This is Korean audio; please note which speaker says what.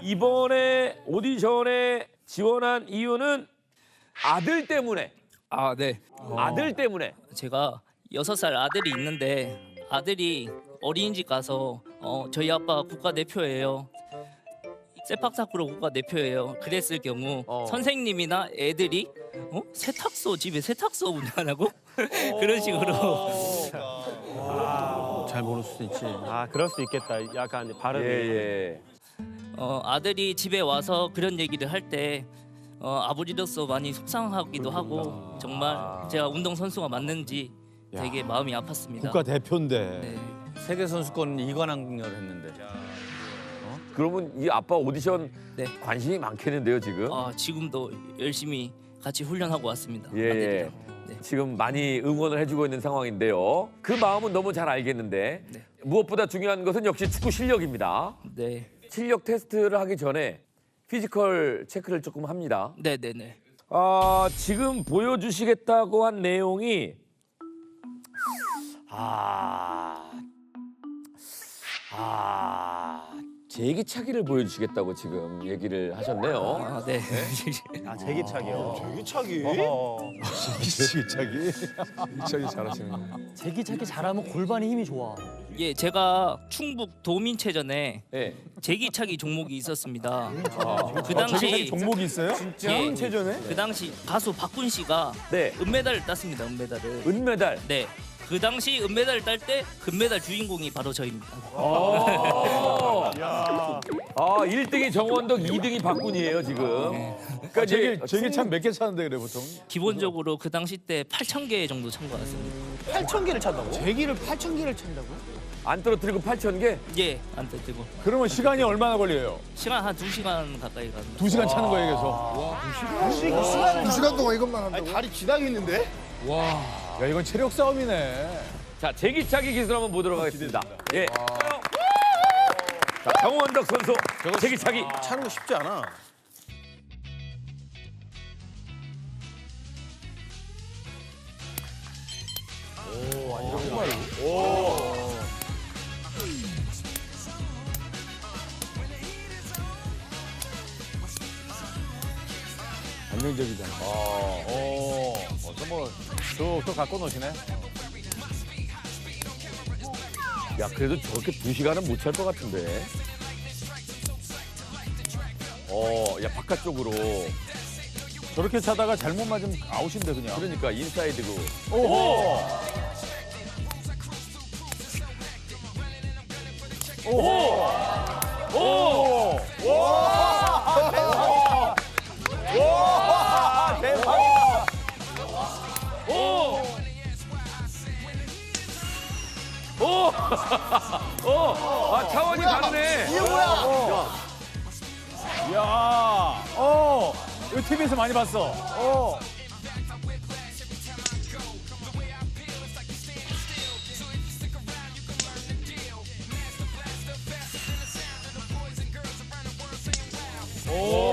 Speaker 1: 이번에 오디션에 지원한 이유는 아들 때문에.
Speaker 2: 아, 네.
Speaker 1: 아들 때문에.
Speaker 2: 제가 6살 아들이 있는데 아들이 어린이집 가서 저희 아빠 국가대표예요. 세팍타크로 국가대표예요. 그랬을 경우 선생님이나 애들이 세탁소 집에 세탁소 운영하냐고 그런 식으로
Speaker 3: 잘 모를 수도 있지.
Speaker 4: 아 그럴 수 있겠다. 약간 발음이.
Speaker 1: 예.
Speaker 2: 아들이 집에 와서 그런 얘기를 할 때 아버지로서 많이 속상하기도 하고 정말 제가 운동 선수가 맞는지 되게 마음이 아팠습니다.
Speaker 3: 국가 대표인데.
Speaker 2: 네.
Speaker 3: 세계 선수권 이관왕을 했는데.
Speaker 1: 그러면 이 아빠 오디션
Speaker 2: 네.
Speaker 1: 관심이 많겠는데요, 지금?
Speaker 2: 지금도 열심히 같이 훈련하고 왔습니다.
Speaker 1: 예, 예.
Speaker 2: 아들이랑. 네.
Speaker 1: 지금 많이 응원을 해주고 있는 상황인데요. 그 마음은 너무 잘 알겠는데
Speaker 2: 네.
Speaker 1: 무엇보다 중요한 것은 역시 축구 실력입니다.
Speaker 2: 네.
Speaker 1: 실력 테스트를 하기 전에 피지컬 체크를 조금 합니다.
Speaker 2: 네네네.
Speaker 1: 지금 보여주시겠다고 한 내용이 제기차기를 보여주시겠다고 지금 얘기를 하셨네요.
Speaker 2: 네.
Speaker 4: 아 제기차기요.
Speaker 3: 제기차기? 제기차기 잘하시네.
Speaker 5: 제기차기 잘하면 골반에 힘이 좋아.
Speaker 2: 예, 제가 충북 도민체전에
Speaker 1: 네.
Speaker 2: 제기차기 종목이 있었습니다. 그 당시
Speaker 3: 종목이 있어요?
Speaker 2: 예,
Speaker 3: 체전에?
Speaker 2: 그 당시 가수 박군 씨가
Speaker 1: 네.
Speaker 2: 은메달을 땄습니다. 은메달을.
Speaker 1: 은메달.
Speaker 2: 네. 그 당시 은메달을 딸 때 금메달 주인공이 바로 저입니다.
Speaker 1: 1등이 정원덕, 2등이 박군이에요, 지금. 그러니까
Speaker 3: 제기차 몇 개 차는데 그래 보통?
Speaker 2: 기본적으로 그 당시 때 8,000개 정도 찬 것 같습니다.
Speaker 5: 8,000개를 찬다고? 제기를 8,000개를 찬다고?
Speaker 1: 안 떨어뜨리고 8,000개?
Speaker 2: 예, 안 뜨고
Speaker 3: 그러면 시간이 얼마나 걸려요?
Speaker 2: 시간 한 2시간 가까이 갑니다.
Speaker 3: 2시간 차는 거예요, 그래서.
Speaker 6: 2시간 동안 이것만 한다고?
Speaker 4: 다리 지나겠는데?
Speaker 3: 야, 이건 체력 싸움이네.
Speaker 1: 자, 제기차기 기술 한번 보도록 하겠습니다. 예. 자, 정원덕 선수, 제기차기.
Speaker 4: 차는 거 쉽지 않아.
Speaker 3: 안정적이다. 뭐 툭툭 갖고 노시네.
Speaker 1: 야, 그래도 저렇게 2시간은 못 찰 것 같은데. 야, 바깥쪽으로.
Speaker 3: 저렇게 차다가 잘못 맞으면 아웃인데 그냥.
Speaker 1: 그러니까 인사이드고.
Speaker 3: 오호.
Speaker 1: 차원이 다르네.
Speaker 3: 이게 뭐야? 야, 이거 TV에서 많이 봤어. 오.